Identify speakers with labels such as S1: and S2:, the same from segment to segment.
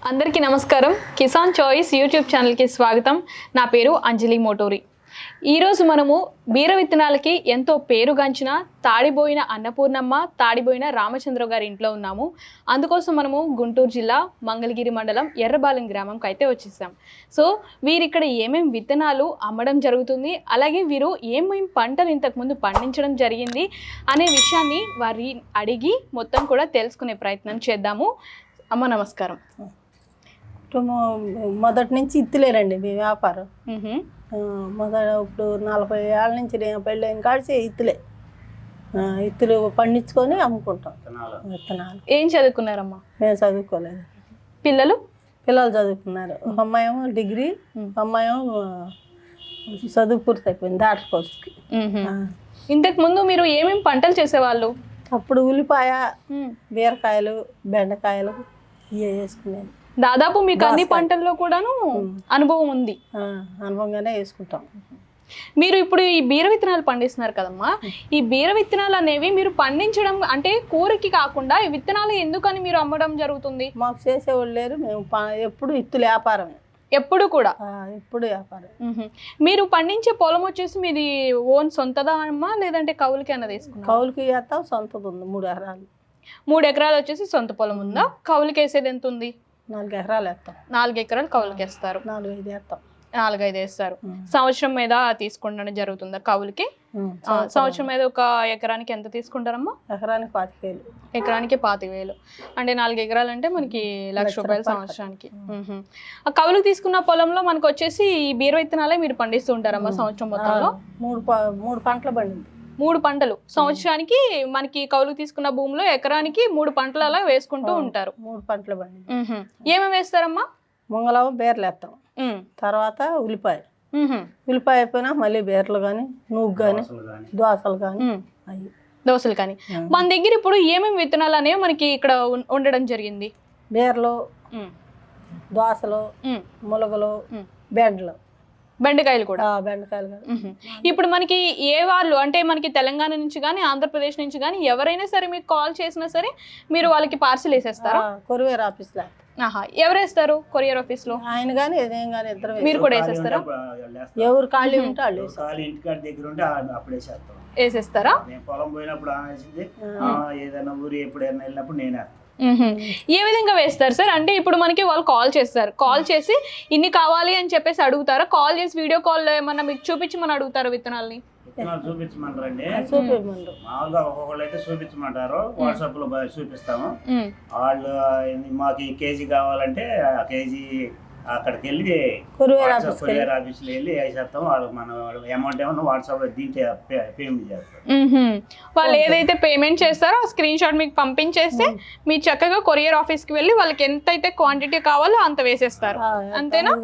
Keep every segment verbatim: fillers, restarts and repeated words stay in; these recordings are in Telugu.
S1: అందరికీ నమస్కారం. కిసాన్ చాయిస్ యూట్యూబ్ ఛానల్కి స్వాగతం. నా పేరు అంజలి మోటూరి. ఈరోజు మనము బీర విత్తనాలకి ఎంతో పేరుగాంచిన తాడిబోయిన అన్నపూర్ణమ్మ, తాడిబోయిన రామచంద్ర గారి ఇంట్లో ఉన్నాము. అందుకోసం మనము గుంటూరు జిల్లా మంగళగిరి మండలం ఎర్రబాలెం గ్రామంకి అయితే వచ్చేసాం. సో వీరు ఇక్కడ ఏమేమి విత్తనాలు అమ్మడం జరుగుతుంది, అలాగే వీరు ఏమేమి పంటలు ఇంతకుముందు పండించడం జరిగింది అనే విషయాన్ని వారి అడిగి మొత్తం కూడా తెలుసుకునే ప్రయత్నం చేద్దాము. అమ్మ నమస్కారం.
S2: మొదటి నుంచి ఇత్తులేరండి మీ వ్యాపారం. మొదట ఇప్పుడు నలభై ఏళ్ళ నుంచి నేను పెళ్ళైన కాడిచి ఇత్తులే ఇత్తులు పండించుకొని అమ్ముకుంటాం విత్తనాలు.
S1: ఏం చదువుకున్నారమ్మా?
S2: మేము చదువుకోలేదు.
S1: పిల్లలు
S2: పిల్లలు చదువుకున్నారు. ఒక అమ్మాయేమో డిగ్రీ, అమ్మాయేమో చదువు పూర్తి అయిపోయింది డాక్టర్ కోర్స్కి.
S1: ఇంతకు ముందు మీరు ఏమేమి పంటలు చేసేవాళ్ళు?
S2: అప్పుడు ఉల్లిపాయ, బీరకాయలు, బెండకాయలు ఇవే వేసుకునేది.
S1: దాదాపు మీకు అన్ని పంటల్లో కూడాను అనుభవం ఉంది.
S2: అనుభవంగానే వేసుకుంటాం.
S1: మీరు ఇప్పుడు ఈ బీర విత్తనాలు పండిస్తున్నారు కదమ్మా, ఈ బీర విత్తనాలు అనేవి మీరు పండించడం అంటే కూరకి కాకుండా ఈ విత్తనాలు ఎందుకని మీరు అమ్మడం జరుగుతుంది?
S2: మాకు చేసేవాళ్ళు లేరు. మేము ఎప్పుడు ఇత్తులు వ్యాపారమే,
S1: ఎప్పుడు కూడా
S2: ఎప్పుడు వ్యాపారం.
S1: మీరు పండించే పొలం వచ్చేసి మీది ఓన్ సొంతదా అమ్మా, లేదంటే కౌలుకి అన్నది వేసుకున్నా?
S2: కౌలుకి వేస్తాం, సొంతది ఉంది మూడు ఎకరాలు.
S1: మూడు ఎకరాలు వచ్చేసి సొంత పొలం ఉందా? కౌలుకి వేసేది ఎంత ఉంది?
S2: నాలుగు ఎకరాలు వేస్తాం.
S1: నాలుగు ఎకరాలు కౌలుకి వేస్తారు.
S2: నాలుగు ఐదు వేస్తాం.
S1: నాలుగు ఐదు వేస్తారు. సంవత్సరం మీద తీసుకుంటడం జరుగుతుందా కౌలుకి? సంవత్సరం మీద ఒక ఎకరానికి ఎంత తీసుకుంటారమ్మా?
S2: ఎకరానికి పాతిక వేలు.
S1: ఎకరానికి పాతిక వేలు అంటే నాలుగు ఎకరాలు అంటే మనకి లక్ష రూపాయలు సంవత్సరానికి. ఆ కౌలుకి తీసుకున్న పొలంలో మనకు వచ్చేసి ఈ బీర విత్తనాలే మీరు పండిస్తూ ఉంటారమ్మా సంవత్సరం మొత్తంలో?
S2: మూడు మూడు పంటలు పండింది.
S1: మూడు పంటలు సంవత్సరానికి మనకి కౌలుకు తీసుకున్న భూమిలో ఎకరానికి మూడు పంటలు అలా వేసుకుంటూ ఉంటారు.
S2: మూడు పంటలు పండింది.
S1: ఏమేమి వేస్తారమ్మా?
S2: ముంగలవ బీరలు వేస్తాం, తర్వాత ఉల్లిపాయ. ఉల్లిపాయ అయిపోయినా మళ్ళీ బీరలు కానీ, నువ్వు కానీ, దోసలు కానీ, అవి
S1: దోసలు కానీ. మన దగ్గర ఇప్పుడు ఏమేమి విత్తనాలు అనేవి మనకి ఇక్కడ ఉండడం జరిగింది?
S2: బీరలు, దోసలు, ములగలు, బెండలు,
S1: బెండకాయలు కూడా.
S2: బెండకాయలు.
S1: ఇప్పుడు మనకి ఏ వాళ్ళు అంటే మనకి తెలంగాణ నుంచి కానీ ఆంధ్రప్రదేశ్ నుంచి కానీ ఎవరైనా సరే మీకు కాల్ చేసినా సరే మీరు వాళ్ళకి పార్సిల్ వేసేస్తారా?
S2: కొరియర్ ఆఫీస్ లో.
S1: ఆహా, ఎవరు వేస్తారు కొరియర్ ఆఫీస్ లో?
S2: ఆయన కానీ ఏదేం కానీ ఇద్దరు.
S1: మీరు కూడా వేసేస్తారా?
S2: ఎవరు ఖాళీ ఉంటే వాళ్ళు
S1: వేసేస్తారా?
S3: పొలం పోయినప్పుడు ఏదైనా ఊరు ఎప్పుడైనా వెళ్ళినప్పుడు నేనే.
S1: ఏ విధంగా వేస్తారు సార్? అంటే ఇప్పుడు మనకి వాళ్ళు కాల్ చేస్తారు, కాల్ చేసి ఇన్ని కావాలి అని చెప్పేసి అడుగుతారా? కాల్ చేసి వీడియో కాల్ ఏమన్నా మీకు చూపించమని అడుగుతారు విత్తనాలని?
S3: విత్తనాలు చూపించమంటారండి. మామూలుగా ఒక్కొక్కళ్ళు అయితే చూపించమంటారు, వాట్సాప్ లో చూపిస్తాము. వాళ్ళు మాకు ఈ కేజీ కావాలంటే ఆ కేజీ అక్కడికి వెళ్ళి కొరియర్ ఆఫీస్ లో వెళ్ళి వేసేస్తాం. వాళ్ళకి మనం అమౌంట్ ఏమన్నా వాట్సాప్ లో దీంట్లో పేమెంట్ చేస్తారు.
S1: వాళ్ళు ఏదైతే పేమెంట్ చేస్తారో ఆ స్క్రీన్ షాట్ మీకు పంపించేస్తే మీరు చక్కగా కొరియర్ ఆఫీస్ కి వెళ్ళి వాళ్ళకి ఎంత అయితే క్వాంటిటీ కావాలో అంత వేసేస్తారు, అంతేనా?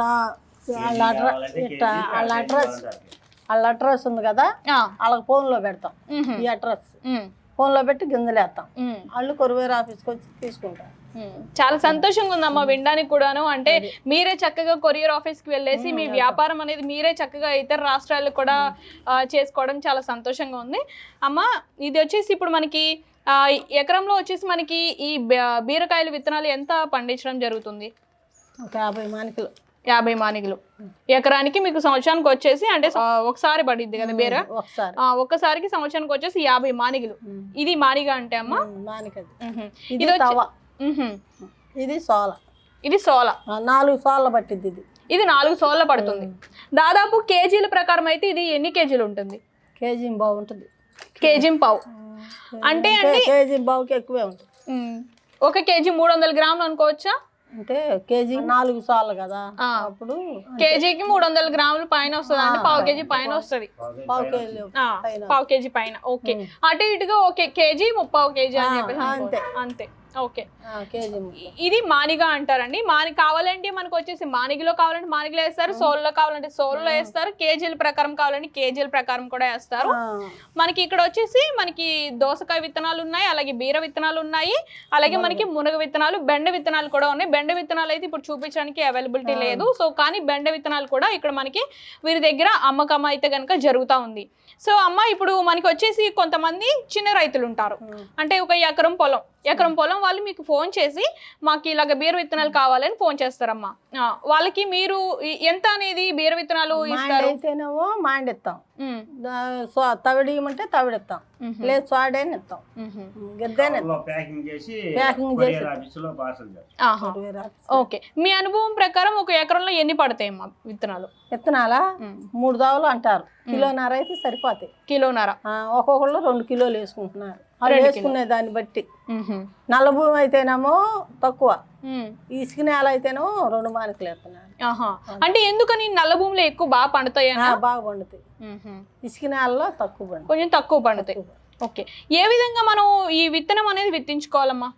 S2: వాళ్ళ అడ్రస్ వాళ్ళ అడ్రస్ ఉంది కదా, వాళ్ళకి ఫోన్ లో పెడతాం. ఈ అడ్రస్ ఫోన్ లో పెట్టి గింజలు వేస్తాం. వాళ్ళు కొరియర్ ఆఫీస్కి వచ్చి తీసుకుంటారు.
S1: చాలా సంతోషంగా ఉందమ్మా వినడానికి కూడాను. అంటే మీరే చక్కగా కొరియర్ ఆఫీస్ కి వెళ్ళేసి మీ వ్యాపారం అనేది మీరే చక్కగా ఇతర రాష్ట్రాలకు కూడా చేసుకోవడం చాలా సంతోషంగా ఉంది. అమ్మ, ఇది వచ్చేసి ఇప్పుడు మనకి ఎకరంలో వచ్చేసి మనకి ఈ బీరకాయల విత్తనాలు ఎంత పండించడం జరుగుతుంది?
S2: ఒక యాభై మానికలు.
S1: యాభై మానికలు ఎకరానికి మీకు సంవత్సరానికి వచ్చేసి అంటే ఒకసారి పడిద్ది కదా బీర, ఒక్కసారికి సంవత్సరానికి వచ్చేసి యాభై మానికలు. ఇది మానిగా అంటే అమ్మా?
S2: ఇది ఇది సోల.
S1: ఇది సోల
S2: నాలుగు సోళ్ళ పట్టింది. ఇది
S1: ఇది నాలుగు సోళ్ళ పడుతుంది. దాదాపు కేజీల ప్రకారం అయితే ఇది ఎన్ని కేజీలు ఉంటుంది?
S2: కేజీ బాగుంటుంది.
S1: కేజీ పావు అంటే
S2: కేజీ బావుకి ఎక్కువే ఉంటుంది.
S1: ఒక కేజీ మూడు వందల గ్రాములు అనుకోవచ్చా?
S2: అంటే కేజీ నాలుగు సార్లు కదా, అప్పుడు
S1: కేజీకి మూడు వందల గ్రాములు పైన వస్తుంది. అంటే పావు కేజీ పైన వస్తుంది.
S2: పావు కేజీ
S1: పావు కేజీ పైన. ఓకే, అటు ఇటుగా ఓకే కేజీ ముప్పావు కేజీ అని చెప్పేసి అంతే అంతే. ఓకే, ఇది మానిగా అంటారండి. మాని కావాలంటే మనకు వచ్చేసి మానిగిలో కావాలంటే మానిగిలో వేస్తారు, సోల్లో కావాలంటే సోల్లో వేస్తారు, కేజీల ప్రకారం కావాలంటే కేజీల ప్రకారం కూడా వేస్తారు. మనకి ఇక్కడ వచ్చేసి మనకి దోసకాయ విత్తనాలు ఉన్నాయి, అలాగే బీర విత్తనాలు ఉన్నాయి, అలాగే మనకి మునగ విత్తనాలు, బెండ విత్తనాలు కూడా ఉన్నాయి. బెండ విత్తనాలు అయితే ఇప్పుడు చూపించడానికి అవైలబిలిటీ లేదు. సో కానీ బెండ విత్తనాలు కూడా ఇక్కడ మనకి వీరి దగ్గర అమ్మకం అయితే కనుక జరుగుతూ ఉంది. సో అమ్మ, ఇప్పుడు మనకి వచ్చేసి కొంతమంది చిన్న రైతులు ఉంటారు, అంటే ఒక ఎకరం పొలం ఎకరం పొలం వాళ్ళు మీకు ఫోన్ చేసి మాకు ఇలాగ బీర విత్తనాలు కావాలని ఫోన్ చేస్తారమ్మా. ఆ, వాళ్ళకి మీరు ఈ- ఎంత అనేది బీర విత్తనాలు ఇస్తారు?
S2: అయితేనేమో మాండిస్తాం,
S1: ఉమ్,
S2: తవిడి ఇవ్వమంటే తవిడిస్తాం, లేదు స్వాడేని ఇస్తాం,
S1: ఉహుం.
S2: గిద్దేని
S3: కవర్లో ప్యాకింగ్ చేసి
S2: ప్యాకింగ్
S3: కొరియర్
S2: చేసి
S3: ఆఫీసులో పార్సల్ చేస్తాం.
S1: ఆహా, ఓకే. మీ అనుభవం ప్రకారం ఒక ఎకరంలో ఎన్ని పడతాయమ్మా విత్తనాలు?
S2: విత్తనాలా
S1: ఉమ్,
S2: మూడు దావులు అంటారు, కిలోన్నర అయితే సరిపోతాయి.
S1: కిలోన్నర.
S2: ఆ, ఒక్కొక్కళ్ళు రెండు కిలోలు వేసుకుంటున్నారు, వాళ్ళు వేసుకునే దాన్ని బట్టి.
S1: ఉహుం.
S2: నల్ల భూమి అయితేనేమో తక్కువ,
S1: ఉమ్,
S2: ఇసుక నేల అయితేనేమో రెండు మానికలు వేస్తున్నారు.
S1: ఆహా, అంటే ఎందుకని నల్ల భూమిలో ఎక్కువ బాగా పండుతాయి
S2: ఆ, బాగా పండుతాయి, ఇసుక నేలలో తక్కువ పండుతాయి.
S1: కొంచెం తక్కువ పండుతాయి. ఓకే. ఏ విధంగా మనం ఈ విత్తనం అనేది విత్తించుకోవాలమ్మా?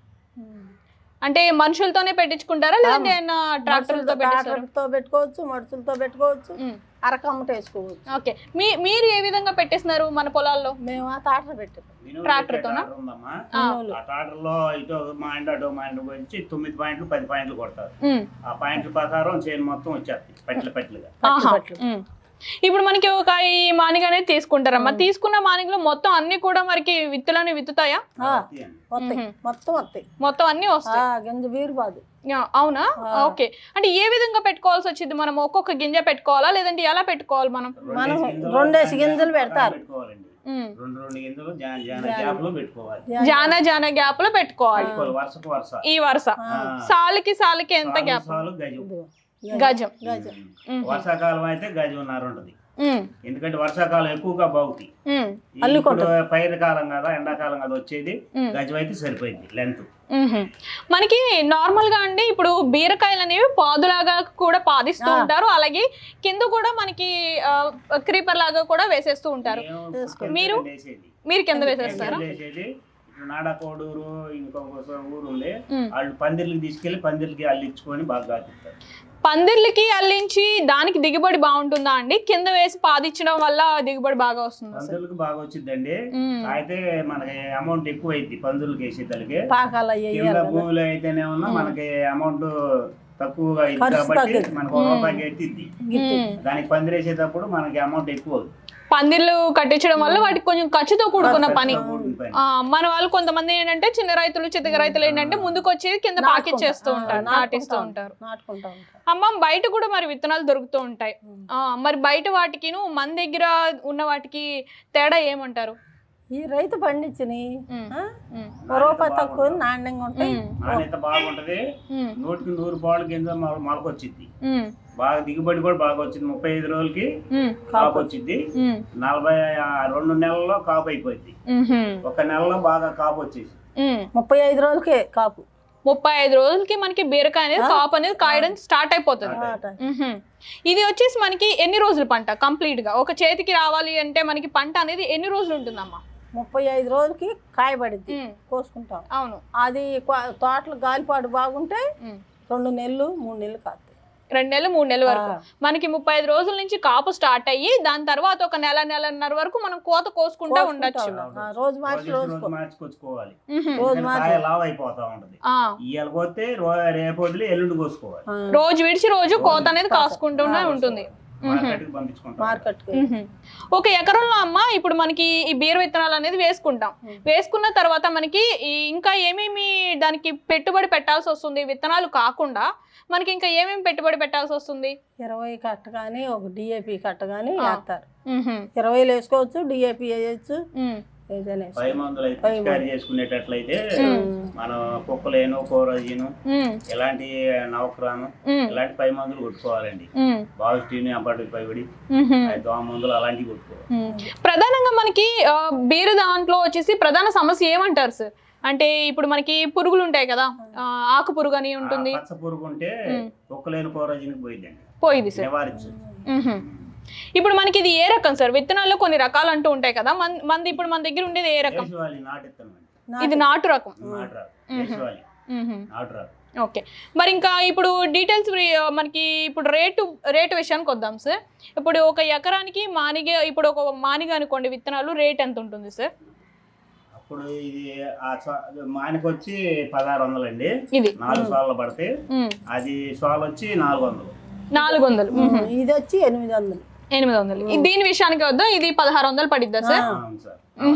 S1: అంటే మనుషులతోనే పెట్టించుకుంటారా లేదంటే ట్రాక్టర్లతో పెట్టిస్తారా?
S2: ట్రాక్టర్తో పెట్టుకోవచ్చు, మడుచులతో పెట్టుకోవచ్చు,
S1: ఉమ్,
S2: అరకమ్మట వేసుకోవచ్చు.
S1: ఓకే. మీ మీరు ఏ విధంగా పెట్టేస్తున్నారు మన పొలాల్లో?
S2: మేము ఆ తాటలు పెట్టాము.
S3: మినుములు
S1: ట్రాక్టర్
S3: పెట్టే
S1: తోనా?
S3: ట్రాక్టర్ ఉందమ్మా.
S1: ఆ.
S3: ఆ ట్రాక్టర్ లో ఇటు మా ఇంటి అటు మా ఇంటి వచ్చి తొమ్మిది పాయింట్లు పది పాయింట్లు కొడతారు.
S1: ఉమ్,
S3: ఆ పాయింట్ల ప్రకారం చేను మొత్తం వచ్చేస్తాయి పట్ల పట్లుగా.
S1: ఆహా,
S2: పట్లు.
S1: ఉమ్. ఇప్పుడు మనకి ఒక ఈ మానిగ అనేది తీసుకుంటారమ్మా. తీసుకున్న మానిగలో మొత్తం అన్ని కూడా మనకి విత్తులని విత్తుతాయా?
S2: ఆ, వస్తాయి, మొత్తం వస్తాయి,
S1: మొత్తం అన్ని వస్తాయి.
S2: ఆ, గింజ బీరు బాదు.
S1: యా, అవునా? ఓకే. అంటే ఏ విధంగా పెట్టుకోవాల్సి వచ్చింది? మనం ఒక్కొక్క గింజ పెట్టుకోవాలా లేదంటే ఎలా పెట్టుకోవాలి మనం?
S2: మనం రెండేసి గింజలు పెడతారు.
S3: పెట్టుకోవాలండి.
S1: ఉమ్,
S3: రెండు రెండు గింజలు జాన జాన గ్యాప్ లో పెట్టుకోవాలి.
S1: జాన జాన గ్యాప్ లో పెట్టుకోవాలి.
S3: పెట్టుకోవాలి, వరుసకు వరుస.
S1: ఈ వరుస సాలుకి సాలుకి ఎంత
S3: సాలు
S1: గ్యాప్?
S3: సాలు గజం.
S1: గజం.
S2: గజం.
S1: ఉమ్,
S3: వర్షాకాలం అయితే గజంన్నర ఉంటుంది.
S1: ఉమ్,
S3: ఎందుకంటే వర్షాకాలం ఎక్కువగా బాగుతాయి.
S1: ఉమ్,
S3: ఇప్పుడు పైరు కాలం కదా, ఎండాకాలం కదా వచ్చేది,
S1: ఉమ్.
S3: గజం అయితే సరిపోయింది లెంత్.
S1: ఉహుం. మనకి నార్మల్ గా అండి ఇప్పుడు బీరకాయలు అనేవి పాదులాగా కూడా పాదిస్తూ ఉంటారు, అలాగే కింద కూడా మనకి క్రీపర్ లాగా కూడా వేసేస్తూ ఉంటారు. మీరు మీరు కింద వేసేస్తారా?
S3: వేసేది ఇప్పుడు నాడకోడూరు ఇంకొక ఊరు ఉంది,
S1: ఉమ్.
S3: వాళ్ళు పందిర్లకి తీసుకెళ్లి పందిర్లకి అల్లించుకొని బాగా కాపిస్తారు.
S1: పందిర్లకి అల్లించి దానికి దిగుబడి బాగుంటుందా అండి? కింద వేసి పాదించడం వల్ల దిగుబడి బాగా వస్తుందా?
S3: పందులకు బాగా వచ్చిందండి.
S1: ఉమ్.
S3: అయితే మనకి అమౌంట్ ఎక్కువ అయింది పందులకి వేసేదానికి.
S2: పాకాలు అయ్యి
S3: కింద భూమిలో అయితేనే ఉన్నా మనకి అమౌంట్ తక్కువగా అయింది
S2: ఖర్చు
S3: కాబట్టి
S2: తగ్గింది.
S3: మనకు ఒక రూపాయికి ఎత్తిద్ది.
S1: ఉమ్.
S3: దానికి పందిరేసేటప్పుడు మనకి అమౌంట్ ఎక్కువ అవుతుంది.
S1: పందిర్లు కట్టించడం వల్ల వాటికి కొంచెం ఖర్చుతో కూడుకున్న పని.
S3: కూడుకున్న పని.
S1: ఆ, మన వాళ్ళు కొంతమంది ఏంటంటే చిన్న రైతులు చితక రైతులు ఏంటంటే ముందుకు వచ్చి కింద పాకిచ్చేస్తూ ఉంటారు, నాటిస్తూ ఉంటారు.
S2: నాటుకుంటా ఉంటారు.
S1: అమ్మ బయట కూడా మరి విత్తనాలు దొరుకుతూ ఉంటాయి. ఆ, మరి బయట వాటికి మన దగ్గర ఉన్న వాటికి తేడా ఏమంటారు?
S2: ఈ రైతు పండించిని
S1: ఉమ్, ఉమ్,
S2: ఒక రూపాయి తక్కువ నాణ్యంగా ఉంటాయి.
S1: ఉమ్,
S3: నాణ్యత బాగుంటది,
S1: ఉమ్,
S3: నూటికి నూరు పాలు గింజ మొల- మొలకొచ్చిద్ది.
S1: ఉమ్,
S3: బాగా దిగుబడి కూడా బాగా వచ్చింది. ముప్పై ఐదు రోజులకి
S1: ఉమ్,
S3: కాపు వచ్చింది.
S1: ఉమ్,
S3: నలభై ఆ రెండు నెలల్లో కాపు అయిపోయింది.
S1: ఉమ్,
S3: ఒక నెలలో బాగా కాపు వచ్చేసి
S1: ఉమ్.
S2: ముప్పై ఐదు రోజులకే కాపు.
S1: ముప్పై ఐదు రోజులకి మనకి బీరకాయ అనేది కాపు అనేది కాయడం స్టార్ట్ అయిపోతుంది. మ్హూ. ఇది వచ్చేసి మనకి ఎన్ని రోజుల పంట కంప్లీట్ గా ఒక చేతికి రావాలి అంటే మనకి పంట అనేది ఎన్ని రోజులు ఉంటుందమ్మా?
S2: ముప్పై ఐదు రోజులకి కాయబడిద్ది,
S1: ఉమ్.
S2: కోసుకుంటాం.
S1: అవును.
S2: అది కొ- తోటలు గాలిపాటు బాగుంటే
S1: ఉమ్.
S2: రెండు నెలలు మూడు నెలలు కాస్తాయి.
S1: రెండు నెలలు మూడు నెలల వరకు
S2: ఆ.
S1: మనకి ముప్పై ఐదు రోజుల నుంచి కాపు స్టార్ట్ అయ్యి దాని తర్వాత ఒక నెల నెలన్నర వరకు మనం కోత కోసుకుంటా ఉండొచ్చు.
S2: ఆ, రోజు మార్చి
S3: రోజు
S2: రోజు
S3: మార్చుకొచ్చుకోవాలి.
S1: మ్హూ.
S2: రోజు
S3: కాయ లావ్ అయిపోతా ఉంటది.
S1: ఆ,
S3: ఇవాళ పోతే రేపు వదిలి ఎల్లుండి కోసుకోవాలి.
S1: రోజు విడిచి రోజు కోత అనేది కాసుకుంటూనే ఉంటుంది.
S3: మార్కెట్కి పంపించుకుంటాం.
S2: మార్కెట్
S1: మ్హూ. ఒక ఎకరంలో అమ్మ ఇప్పుడు మనకి ఈ బీర విత్తనాలు అనేది వేసుకుంటాం. వేసుకున్న తర్వాత మనకి ఈ ఇంకా ఏమేమి దానికి పెట్టుబడి పెట్టాల్సి వస్తుంది? విత్తనాలు కాకుండా మనకి ఇంకా ఏమేమి పెట్టుబడి పెట్టాల్సి వస్తుంది?
S2: ఇరవై కట్ట కానీ ఒక డిఏపి కట్ట కానీ వేస్తారు.
S1: మ్హూ.
S2: ఇరవైలు వేసుకోవచ్చు, డిఏపి వేయచ్చు,
S1: మ్మ్.
S2: ఏదైనా
S3: పై
S2: వేసుకోవచ్చు.
S3: మందులు అయితే పిచికారీ చేసుకునేటట్లయితే మనం కుక్కలేను కోరజీను
S1: మ్మ్.
S3: ఇలాంటి నవక్రాను
S1: మ్మ్.
S3: ఇలాంటి పై మందులు కొట్టుకోవాలండి.
S1: మ్మ్.
S3: బావిస్టీని అప్పటి పైబడి
S1: మ్హూ.
S3: దోమ మందులు అలాంటివి కొట్టుకోవాలి.
S1: మ్మ్. ప్రధానంగా మనకి ఆ, బీర దాంట్లో వచ్చేసి ప్రధాన సమస్య ఏమంటారు సార్? అంటే ఇప్పుడు మనకి పురుగులు ఉంటాయి కదా, ఆ, ఆకు పురుగు అని ఉంటుంది,
S3: పచ్చ పురుగు ఉంటే కుక్కలేని కోరజీనికి పోయిందండి,
S1: పోయింది సార్.
S3: నివారించు.
S1: మ్హూ. ఇప్పుడు మనకి ఇది ఏ రకం సార్? విత్తనాల్లో కొన్ని రకాలు అంటూ ఉంటాయి కదా, మన మనది ఇప్పుడు మన దగ్గర ఉండేది ఏ రకం?
S3: దేశవాళి నాటిస్తామండి.
S1: ఇది నాటు రకం.
S3: నాటు రాదు, దేశవాళి
S1: మ్హూ.
S3: నాటు రాదు.
S1: ఓకే. మరి ఇంకా ఇప్పుడు డీటెయిల్స్ మనకి ఇప్పుడు రేటు రేటు విషయానికి వద్దాం సార్. ఇప్పుడు ఒక ఎకరానికి మానిగ ఇప్పుడు ఒక మానిగ అనుకోండి విత్తనాలు రేట్ ఎంత ఉంటుంది సార్?
S3: అప్పుడు ఇది ఆ సా- మానికి వచ్చి పదహారు వందలు అండి.
S1: ఇది
S3: నాలుగు సార్లు పడితే
S1: మ్మ్.
S3: అది సాల్ వచ్చి నాలుగు వందలు.
S1: నాలుగు వందలు మ్హూ.
S2: ఇది వచ్చి ఎనిమిది వందలు.
S1: ఎనిమిది వందలు. దీని విషయానికి వద్దాం, ఇది పదహారు వందలు పడిద్దా సార్?
S3: అవును సార్. అవునండి.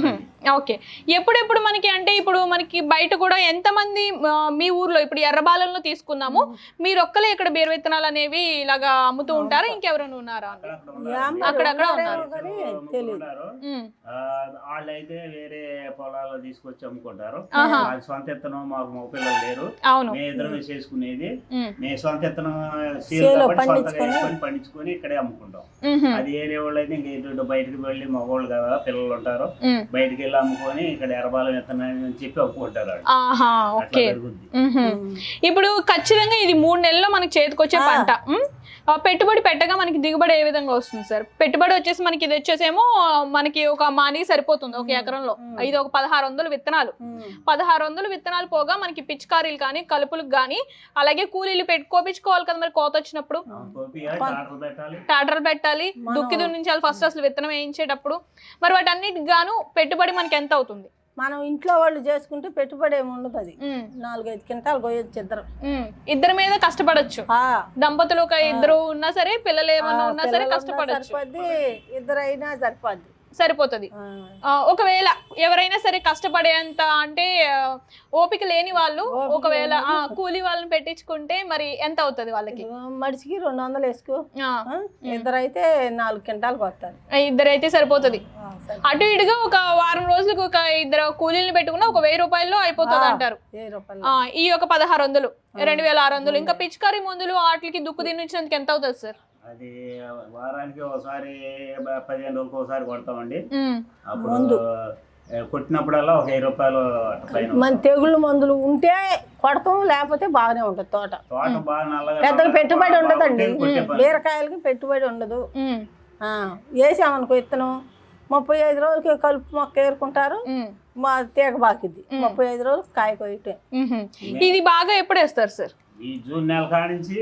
S1: ఓకే. ఎప్పుడెప్పుడు మనకి అంటే ఇప్పుడు మనకి బయట కూడా ఎంతమంది ఆ, మీ ఊర్లో ఇప్పుడు ఎర్రబాలెంలో తీసుకున్నాము, మీరు ఒక్కలే ఇక్కడ బీర విత్తనాలు అనేవి ఇలాగా అమ్ముతూ ఉంటారా, ఇంకెవరైనా ఉన్నారా అని? అక్కడక్కడ ఉన్నారు.
S3: ఉన్నారు.
S1: ఉమ్,
S3: ఆ, వాళ్ళైతే వేరే పొలాల్లో తీసుకొచ్చి అమ్ముకుంటారు.
S1: ఆహా.
S3: అది సొంత ఎత్తనం మాకు మగ పిల్లలు లేరు,
S1: అవును.
S3: మేము ఇద్దరం చేసుకునేది.
S1: ఉమ్,
S3: మేము సొంత ఎత్తనం
S2: చేలో
S3: సొంతగా
S2: పండించుకొని.
S3: వేసుకొని పండించుకొని ఇక్కడే అమ్ముకుంటాం.
S1: ఉహుం,
S3: అది ఏరే వాళ్ళు అయితే ఇంక ఎటు బయటకు వెళ్ళి మగవాళ్ళు కదా పిల్లలు ఉంటారు,
S1: ఉమ్,
S3: బయటికి వెళ్ళి అమ్ముకొని ఇక్కడ ఎర్రబాలెం విత్తనాలు అని చెప్పి అమ్ముకుంటారు వాళ్ళు.
S1: ఆహా,
S3: అట్లా
S1: ఓకే.
S3: జరుగుద్ది.
S1: ఉహుం. ఇప్పుడు ఖచ్చితంగా ఇది మూడు నెలల్లో మనకి చేతికొచ్చే పంట. ఉమ్, ఆ, పెట్టుబడి పెట్టగా మనకి దిగుబడి ఏ విధంగా వస్తుంది సార్? పెట్టుబడి వచ్చేసి మనకి ఇది వచ్చేసేమో మనకి ఒక మానికి సరిపోతుంది ఒక ఎకరంలో. ఇది ఒక పదహారు వందలు విత్తనాలు, పదహారు వందలు విత్తనాలు పోగా మనకి పిచికారీలు కానీ కలుపులకు కానీ అలాగే కూలీలు పెట్టుకోపించుకోవాలి కదా మరి కోత వచ్చినప్పుడు.
S3: ఆ, కోపియాలి, టాటర్లు పెట్టాలి.
S1: టాటర్లు పెట్టాలి, దుక్కి దున్నించాలి ఫస్ట్ అసలు విత్తనం వేయించేటప్పుడు. మరి వాటన్నిటికి గాను పెట్టుబడి మనకి ఎంత అవుతుంది?
S2: మనం ఇంట్లో వాళ్ళు చేసుకుంటే పెట్టుబడి ఏమి ఉండదు. అది
S1: ఉమ్,
S2: నాలుగైదు క్వింటాలు కొయ్యొచ్చు ఇద్దరు.
S1: ఉమ్, ఇద్దరి మీద కష్టపడొచ్చు.
S2: ఆ,
S1: దంపతులు ఒక ఇద్దరు ఉన్నా సరే, పిల్లలు ఏమన్నా ఉన్నా సరే
S2: పిల్లలు ఉన్నా
S1: కష్టపడొచ్చు,
S2: సరిపోద్ది, ఇద్దరు అయినా సరిపోద్ది.
S1: సరిపోతుంది.
S2: ఆ,
S1: ఆ, ఒకవేళ ఎవరైనా సరే కష్టపడేంత అంటే ఆ, ఓపిక లేని వాళ్ళు
S2: ఓపిక
S1: ఒకవేళ
S2: లేని
S1: ఆ, కూలీ వాళ్ళని పెట్టించుకుంటే మరి ఎంత అవుతుంది వాళ్ళకి?
S2: మడిచికి రెండు వందలు వేసుకో.
S1: ఆ,
S2: ఆ, ఇద్దరు అయితే నాలుగు క్వింటాలు కొత్తారు.
S1: ఇద్దరైతే సరిపోతుంది. అటు ఇటుగా ఒక వారం రోజులకు ఒక ఇద్దరు కూలీలను పెట్టుకున్నా ఒక వెయ్యి రూపాయల్లో అయిపోతుంది అంటారు.
S2: వెయ్యి రూపాయలు.
S1: ఆ, ఈ ఒక పదహారు వందలు రెండు వేల ఆరు వందలు ఇంకా పిచికారీ మందులు వాటికి దుక్కు తినించినందుకు ఎంత అవుతుంది సార్?
S3: అది వారానికి ఒకసారి పదిహేను రోజులకు ఒకసారి కొడతామండి.
S1: ఉమ్,
S3: అప్పుడు ఏ, కొట్టినప్పుడల్లా ఒక వెయ్యి రూపాయలు అట్ట పైన.
S2: మన తెగుళ్ళు మందులు ఉంటే కొడతాం, లేకపోతే బాగానే ఉంటుంది తోట.
S3: తోట బాగా నల్లగా
S2: పెద్దగా పెట్టుబడి ఉండదండి.
S3: కొట్టే పని.
S2: బీరకాయలకి పెట్టుబడి ఉండదు.
S1: ఉమ్,
S2: ఆ, వేసామనుకో విత్తనం ముప్పై ఐదు రోజులకి కలుపు మొక్క ఏరుకుంటారు,
S1: ఉమ్,
S2: మా తీగ బాకిద్ది. ముప్పై ఐదు రోజులు కాయ కొయ్యటే.
S1: ఉహుం. ఇది బాగా ఎప్పుడు వేస్తారు సార్?
S3: ఈ జూన్ నెల కాడ నుంచి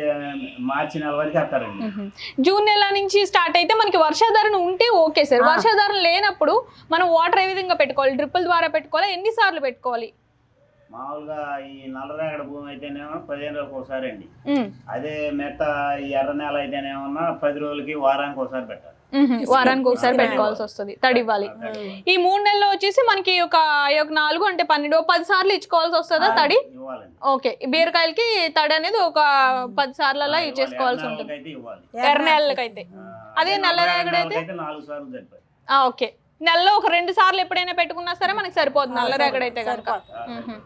S3: మార్చి నెల వరకు వేస్తారండి.
S1: ఉహుం. జూన్ నెల నుంచి స్టార్ట్ అయితే మనకి వర్షాధారణ ఉంటే ఓకే సార్. వర్షాధారణ లేనప్పుడు మనం వాటర్ ఏ విధంగా పెట్టుకోవాలి? డ్రిప్పుల ద్వారా పెట్టుకోవాలి, ఎన్ని సార్లు పెట్టుకోవాలి?
S3: మామూలుగా ఈ నల్లరేగడ భూమి అయితేనేమో పదిహేను రోజులకు ఒకసారి అండి.
S1: ఉమ్,
S3: అదే మెట్ట ఈ ఎర్ర నెల అయితేనేమన్నా పది రోజులకి వారానికి ఒకసారి పెట్టాలి.
S1: ఉహుం. వారానికి ఒకసారి పెట్టుకోవాల్సి వస్తుంది, తడి ఇవ్వాలి. ఈ మూడు నెలలు వచ్చేసి మనకి ఒక ఈ ఒక నాలుగు అంటే పన్నెండు పది సార్లు ఇచ్చుకోవాల్సి వస్తుందా తడి?
S3: ఇవ్వాలండి.
S1: ఓకే. బీరకాయలకి తడి అనేది ఒక పది సార్లు అలా ఇచ్చేసుకోవాల్సి ఉంటుంది
S3: అయితే ఇవ్వాలి.
S1: ఎర్ర నెలలకైతే. అదే నల్ల రేగడి అయితే
S3: అయితే నాలుగు సార్లు సరిపోయి.
S1: ఆ, ఓకే. నెలలో ఒక రెండు సార్లు ఎప్పుడైనా పెట్టుకున్నా సరే మనకి సరిపోతుంది నల్ల రేగడి అయితే కనుక. ఉహుం.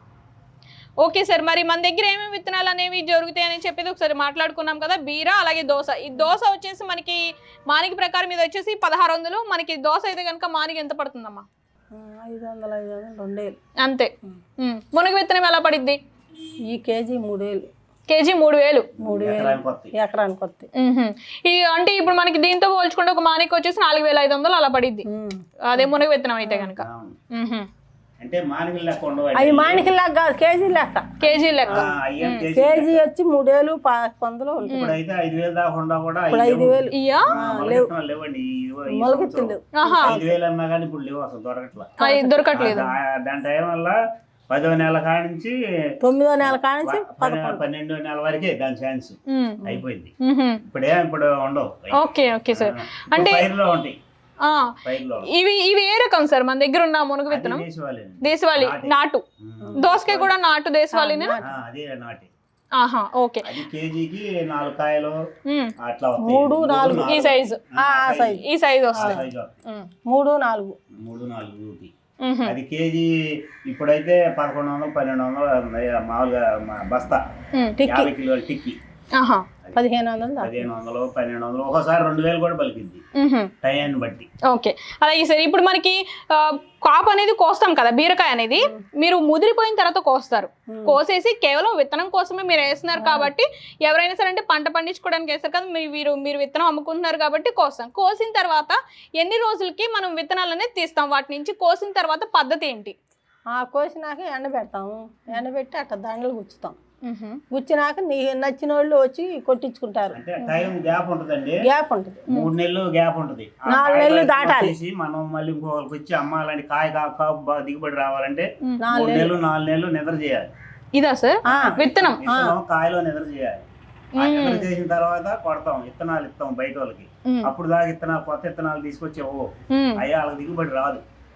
S1: Okay sir. మరి మన దగ్గర ఏమేమి విత్తనాలు అనేవి జరుగుతాయని చెప్పేది ఒకసారి మాట్లాడుకున్నాం కదా. బీర అలాగే దోస. ఈ దోస వచ్చేసి మనకి మానికి ప్రకారం ఇది వచ్చేసి పదహారు వందలు. మనకి దోస అయితే కనుక మానికి ఎంత పడుతుందమ్మా?
S2: ఐదు వందలు ఐదు వందలు రెండేళ్ళు
S1: అంతే. ఉమ్. మునగ విత్తనం ఎలా పడిద్ది?
S2: ఈ కేజీ మూడేళ్ళు.
S1: కేజీ మూడు వేలు
S2: మూడు వేలు
S3: ఎకరానికి వస్తాయి.
S2: ఎకరానికి వస్తాయి.
S1: ఉహుం. ఇది అంటే ఇప్పుడు మనకి దీంతో పోల్చుకుంటే ఒక మానికి వచ్చేసి నాలుగు వేల ఐదు వందలు అలా పడిద్ది అదే మునగ విత్తనం అయితే కనుక.
S3: అవును.
S1: ఉహుం.
S3: అంటే మానికలు లెక్క ఉండవు.
S2: అవి మానికి లెక్క కాదు, కేజీ లెక్క.
S1: కేజీ లెక్క.
S3: ఆ, అయ్యేం కేజీ
S2: కేజీ వచ్చి మూడేళ్ళు పాతి వందలు ఉంటుంది.
S3: ఇప్పుడైతే ఐదు వేలు దాకుండా కూడా
S2: ఇప్పుడు ఐదు వేలు
S1: ఇయ్యా
S3: మొలకెత్తనాలు లేవండి. ఈ- ఈ
S2: మొలకెత్తులు
S3: సంవత్సరం
S1: ఆహా.
S3: ఐదు వేలు అన్నా కానీ ఇప్పుడు లేవు, అసలు దొరకట్లా.
S1: అది దొరకట్లేదు.
S3: ఆ, దాని టైం వల్ల పదో నెల కాడ నుంచి
S2: తొమ్మిదో నెల కానించి
S3: పన్నె- పన్నెండో నెల వరకే దాని ఛాన్స్
S1: ఉమ్.
S3: అయిపోయింది.
S1: ఉహుం.
S3: ఇప్పుడే ఇప్పుడు ఉండవు.
S1: Okay okay sir.
S3: ఇప్పుడు
S1: అంటే
S3: పైరులో ఉంటాయి.
S1: ఆ,
S3: పైరులో
S1: ఇవి ఇవి ఏ రకం సార్ మన దగ్గర ఉన్న మునగ విత్తనం?
S3: దేశవాళీ.
S1: దేశవాళీ నాటు. దోసకాయ కూడా నాటు దేశవాళీనే.
S3: అదే నాటి.
S1: ఆహా, ఓకే.
S3: అది కేజీకి నాలుగు కాయలు
S1: ఉమ్.
S3: అట్లా వస్తాయి.
S2: మూడు నాలుగు
S1: ఈ సైజు
S3: ఆ,
S2: సైజు
S1: ఈ సైజు
S3: ఆ
S1: వస్తుంది.
S3: సైజు వస్తాయి.
S1: ఉమ్.
S2: మూడు నాలుగు
S3: మూడు నాలుగుకి
S1: ఉహుం.
S3: అది కేజీ ఇప్పుడైతే పదకొండు వందలు పన్నెండు వందలు మామూలుగా మా బస్తా
S1: ఉమ్.
S3: యాభై కిలోల టిక్కి
S1: ఆహా.
S2: పదిహేను వందలు దాకా.
S3: పదిహేను వందలు పన్నెండు వందలు ఒకసారి రెండు వేలు కూడా పలికింది
S1: ఉహుం.
S3: టైంని బట్టి.
S1: ఓకే. అలాగే సార్ ఇప్పుడు మనకి ఆ, కాపు అనేది కోస్తాం కదా బీరకాయ అనేది, మీరు ముదిరిపోయిన తర్వాత కోస్తారు. కోసేసి కేవలం విత్తనం కోసమే మీరు వేస్తున్నారు కాబట్టి ఎవరైనా సరే అంటే పంట పండించుకోవడానికి వేస్తారు కదా, మీరు మీరు మీరు విత్తనం అమ్ముకుంటున్నారు కాబట్టి కోస్తాం. కోసిన తర్వాత ఎన్ని రోజులకి మనం విత్తనాలు అనేది తీస్తాం వాటి నుంచి? కోసిన తర్వాత పద్ధతి ఏంటి?
S2: ఆ కోసినాక ఎండబెడతాము. ఎండబెట్టి అట్లా దండలు గుచ్చుతాం.
S1: ఉహుం.
S2: గుచ్చినాక నీ నచ్చిన వాళ్ళు వచ్చి కొట్టించుకుంటారు.
S3: అంటే టైం గ్యాప్ ఉంటుందండి.
S2: గ్యాప్ ఉంటుంది.
S3: మూడు నెలలు గ్యాప్ ఉంటుంది. ఆ
S2: నాలుగు
S3: కాయ
S2: నెలలు
S3: బయటకు
S2: దాటాలి.
S3: వచ్చేసి మనం మళ్ళీ ఇంకొకరికి వచ్చి అమ్మాలంటే కాయ కా- కాపు బాగా దిగుబడి రావాలంటే
S2: నాలుగు
S3: మూడు నెలలు నాలుగు నెలలు నిద్ర చేయాలి.
S1: ఇదా సార్
S2: ఆ,
S1: విత్తనం?
S3: విత్తనం కాయలో నిద్ర చేయాలి. ఆ నిద్ర చేసిన తర్వాత కొడతాం, విత్తనాలు ఇస్తాం బయట వాళ్ళకి.
S1: ఉమ్.
S3: అప్పుడు దాకా విత్తనాలు కొత్త విత్తనాలు తీసుకొచ్చి ఓ
S1: ఉమ్.
S3: అయ్యా వాళ్ళకి దిగుబడి రాదు.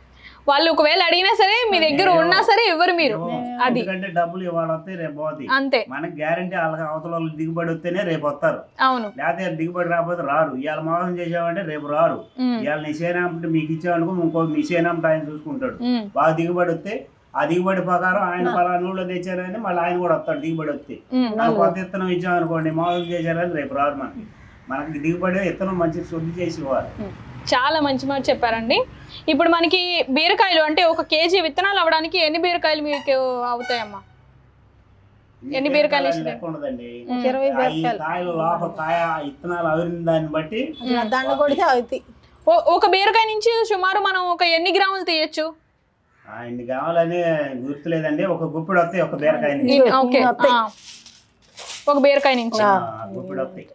S1: వాళ్ళు ఒకవేళ అడిగినా సరే మీ దగ్గర ఉన్నా సరే ఇవ్వరు మీరు. అది
S3: ఎందుకంటే డబ్బులు ఇవాళ వస్తాయి రేపు పోతాయి.
S1: అంతే.
S3: మనకి గ్యారంటీ వాళ్ళకి అవతల వాళ్ళు దిగుబడి వస్తేనే రేపు వస్తారు.
S1: అవును.
S3: లేకపోతే దిగుబడి రాకపోతే రారు. ఇవాళ మోసం చేసామంటే రేపు రారు. ఇవాళ నీ సేనాంటే మీకు ఇచ్చామనుకో ఇంకో మీ సేనాంటే ఆయన చూసుకుంటాడు. బాగా దిగుబడి వస్తే ఆ దిగుబడి ప్రకారం ఆయన పలానా ఊళ్ళో తెచ్చారని మళ్ళీ ఆయన కూడా వస్తాడు. దిగుబడి వస్తే కొత్త విత్తనం ఇచ్చామనుకోండి మోసం చేశారని రేపు రారు. మనకి మనకి దిగుబడి విత్తనం మంచి శుద్ధి చేసి ఇవ్వాలి.
S1: చాలా మంచి మాట చెప్పారండి. ఇప్పుడు మనకి బీరకాయలు అంటే ఒక కేజీ విత్తనాలు అవ్వడానికి ఎన్ని బీరకాయలు మీకు అవుతాయమ్మా? ఎన్ని బీరకాయలు
S3: ఉండదండి.
S2: ఇరవై
S3: కాయలు లోపల కాయ విత్తనాలు అవిరిన దాన్ని బట్టి
S2: దండ కొడితే అవుతాయి.
S1: ఒక బీరకాయ నుంచి సుమారు మనం ఒక ఎన్ని గ్రాములు తీయచ్చు?
S3: ఇన్ని కావాలని గుర్తులేదండి. ఒక గుప్పిడి వస్తాయి ఒక బీరకాయ నుంచి.
S1: ఓకే, ఒక బీరకాయ నుంచి
S3: గుప్పిడి వస్తాయి.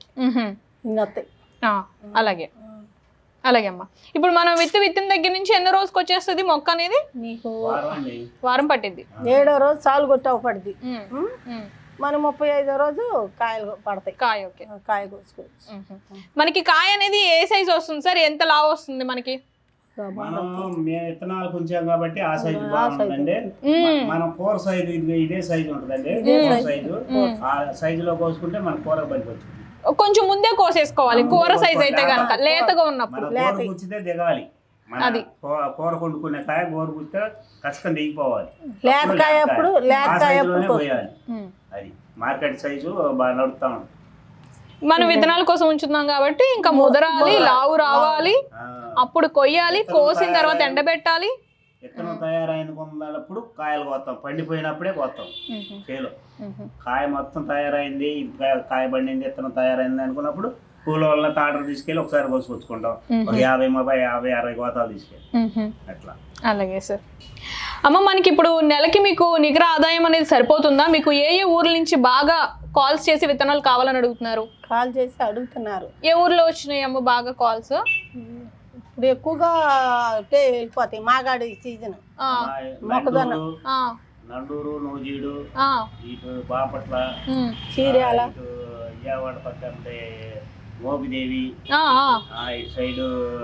S1: అలాగే అలాగే అమ్మా. ఇప్పుడు మనం విత్తు విత్తిన దగ్గర నుంచి ఎన్ని రోజుకి వచ్చేస్తుంది మొక్క అనేది?
S2: నీకు
S1: వారం పట్టింది.
S2: ఏడో రోజు చాలు కొట్టావు పడుతుంది. మనం ముప్పై ఐదో రోజు కాయలు పడతాయి.
S1: కాయ ఓకే,
S2: కాయ కోసుకోవచ్చు.
S1: మనకి కాయ అనేది ఏ సైజ్ వస్తుంది సార్? ఎంత లావు వస్తుంది మనకి?
S3: మనం మేము విత్తనాలు కొంచాం కాబట్టి ఆ సైజు బాగుంటుందండి. మనం కూర సైజు ఇదే సైజు ఉంటుందండి. సైజు ఆ సైజులో కోసుకుంటే మన కూర పనికొచ్చింది.
S1: కొంచెం ముందే కోసేసుకోవాలి కూర సైజ్ అయితే కనుక, లేతగా ఉన్నప్పుడు.
S3: కూర్చితే దిగాలి. అది కూర వండుకునే కాయ గోరు కూర్చితే ఖచ్చితంగా దిగిపోవాలి.
S2: లేతకాయ అప్పుడు లేతకాయ
S3: పోయాలి. అది మార్కెట్ సైజు బాగా నడుపుతా ఉంటుంది.
S1: మనం విత్తనాల కోసం ఉంచుతున్నాం కాబట్టి ఇంకా ముదరాలి, లావు రావాలి, అప్పుడు కొయ్యాలి. కోసిన తర్వాత ఎండబెట్టాలి.
S3: విత్తనం తయారైన కొందప్పుడు కాయలు కోస్తాం. పండిపోయినప్పుడే కోస్తాం. చేలో కాయ మొత్తం తయారైంది, కాయ పండింది, విత్తనం తయారైంది అనుకున్నప్పుడు కూలోళ్ళ తాటలు తీసుకెళ్ళి ఒకసారి కోసుకొచ్చుకుంటాం. ఒక యాభై ముప్పై యాభై అరవై కోతాలు తీసుకెళ్ళి అట్లా.
S1: అలాగే సార్. అమ్మ, మనకి ఇప్పుడు నెలకి మీకు నికర ఆదాయం అనేది సరిపోతుందా? మీకు ఏ ఏ ఊర్ల నుంచి బాగా కాల్స్ చేసి విత్తనాలు కావాలని అడుగుతున్నారు?
S2: కాల్ చేసి అడుగుతున్నారు.
S1: ఏ ఊర్లో వచ్చినాయి అమ్మ బాగా కాల్స్?
S2: ఇప్పుడు ఎక్కువగా వెళ్ళిపోతాయి. మాగాడి సీజన్ మొక్కజొన్న,
S3: నండూరు, నూజీడు, ఇటు బాపట్ల,
S2: చీరాల,
S3: విజయవాడ పక్కన మోపిదేవి, ఇటు సైడు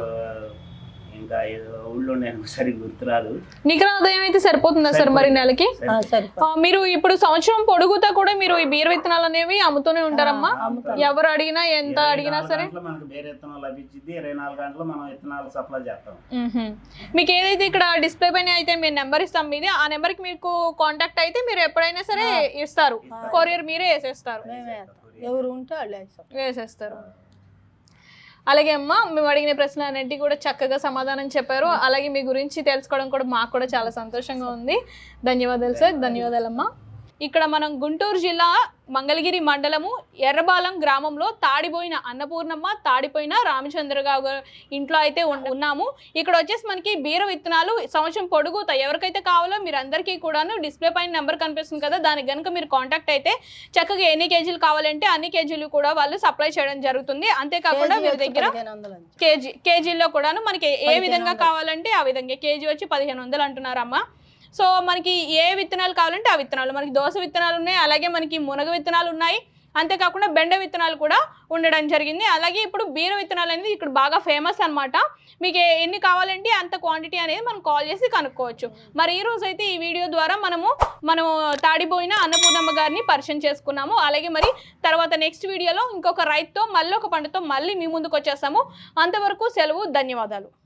S3: ఇంకా ఊళ్ళో నేను సరిగ్గా గుర్తురాదు.
S1: నికర ఆదాయం అయితే సరిపోతుందా సార్ మరి నెలకి? మీరు ఇప్పుడు సంవత్సరం పొడుగుతా కూడా మీరు ఈ బీర విత్తనాలు అనేవి అమ్ముతూనే ఉంటారమ్మా? ఎవరు అడిగినా ఎంత అడిగినా సరే
S3: మనకు బీర విత్తనాలు లభించింది. ఇరవై నాలుగు గంటలు మనం విత్తనాలు సప్లై చేస్తాం.
S1: మీకు ఏదైతే ఇక్కడ డిస్ప్లే పైన అయితే మేము నెంబర్ ఇస్తాం మీది, ఆ నెంబర్ కి మీకు కాంటాక్ట్ అయితే మీరు ఎప్పుడైనా సరే ఇస్తారు. కొరియర్ మీరే వేసేస్తారు.
S2: ఎవరు ఉంటే వాళ్ళు
S1: వేసేస్తారు. అలాగే అమ్మ, మేము అడిగిన ప్రశ్నలు అన్నింటికి కూడా చక్కగా సమాధానం చెప్పారు. అలాగే మీ గురించి తెలుసుకోవడం కూడా మాకు కూడా చాలా సంతోషంగా ఉంది. ధన్యవాదాలు సార్. ధన్యవాదాలమ్మా. ఇక్కడ మనం గుంటూరు జిల్లా మంగళగిరి మండలము ఎర్రబాలెం గ్రామంలో తాడిపోయిన అన్నపూర్ణమ్మ, తాడిపోయిన రామచంద్రరావు ఇంట్లో అయితే ఉన్నాము. ఇక్కడ వచ్చేసి మనకి బీర విత్తనాలు సంవత్సరం పొడుగుతాయి. ఎవరికైతే కావాలో మీరు అందరికీ కూడాను డిస్ప్లే పైన నెంబర్ కనిపిస్తుంది కదా, దానికి కనుక మీరు కాంటాక్ట్ అయితే చక్కగా ఎన్ని కేజీలు కావాలంటే అన్ని కేజీలు కూడా వాళ్ళు సప్లై చేయడం జరుగుతుంది. అంతేకాకుండా వీరి దగ్గర కేజీ కేజీల్లో కూడాను మనకి ఏ విధంగా కావాలంటే ఆ విధంగా కేజీ వచ్చి పదిహేను వందలు అంటున్నారమ్మా. సో మనకి ఏ విత్తనాలు కావాలంటే ఆ విత్తనాలు, మనకి దోస విత్తనాలు ఉన్నాయి, అలాగే మనకి మునగ విత్తనాలు ఉన్నాయి, అంతేకాకుండా బెండ విత్తనాలు కూడా ఉండడం జరిగింది. అలాగే ఇప్పుడు బీర విత్తనాలు అనేది ఇక్కడ బాగా ఫేమస్ అనమాట. మీకు ఎన్ని కావాలంటే అంత క్వాంటిటీ అనేది మనం కాల్ చేసి కనుక్కోవచ్చు. మరి ఈ రోజు అయితే ఈ వీడియో ద్వారా మనము మనం తాడిపోయిన అన్నపూర్ణమ్మ గారిని పరిచయం చేసుకున్నాము. అలాగే మరి తర్వాత నెక్స్ట్ వీడియోలో ఇంకొక రైతుతో మళ్ళీ ఒక పంటతో మళ్ళీ మీ ముందుకు వచ్చేస్తాము. అంతవరకు సెలవు. ధన్యవాదాలు.